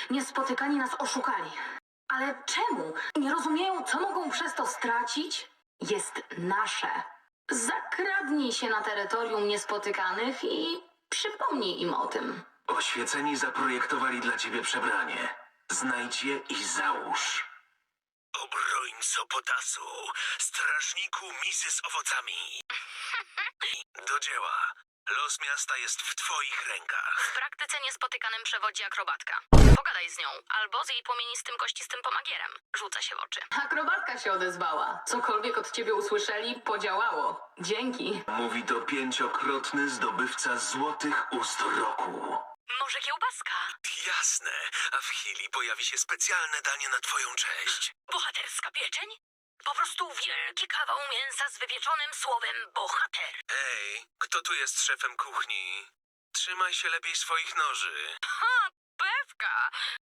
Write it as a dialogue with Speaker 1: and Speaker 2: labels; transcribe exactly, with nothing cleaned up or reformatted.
Speaker 1: Niespotykani nas oszukali. Ale czemu? Nie rozumieją, co mogą przez to stracić? Jest nasze. Zakradnij się na terytorium Niespotykanych i przypomnij im o tym.
Speaker 2: Oświeceni zaprojektowali dla ciebie przebranie. Znajdź je i załóż.
Speaker 3: Obrońco potasu, strażniku misy z owocami. Do dzieła. Los miasta jest w twoich rękach.
Speaker 4: W praktyce Niespotykanym przewodzi akrobatka. Pogadaj z nią, albo z jej płomienistym kościstym pomagierem. Rzuca się w oczy.
Speaker 1: Akrobatka się odezwała. Cokolwiek od ciebie usłyszeli, podziałało. Dzięki.
Speaker 2: Mówi to pięciokrotny zdobywca złotych ust roku.
Speaker 4: Może kiełbaska?
Speaker 3: Jasne, a w chwili pojawi się specjalne danie na twoją cześć.
Speaker 4: Bohaterska pieczeń? Po prostu wielki kawał mięsa z wypieczonym słowem bohater.
Speaker 3: Ej, kto tu jest szefem kuchni? Trzymaj się lepiej swoich noży.
Speaker 4: Ha,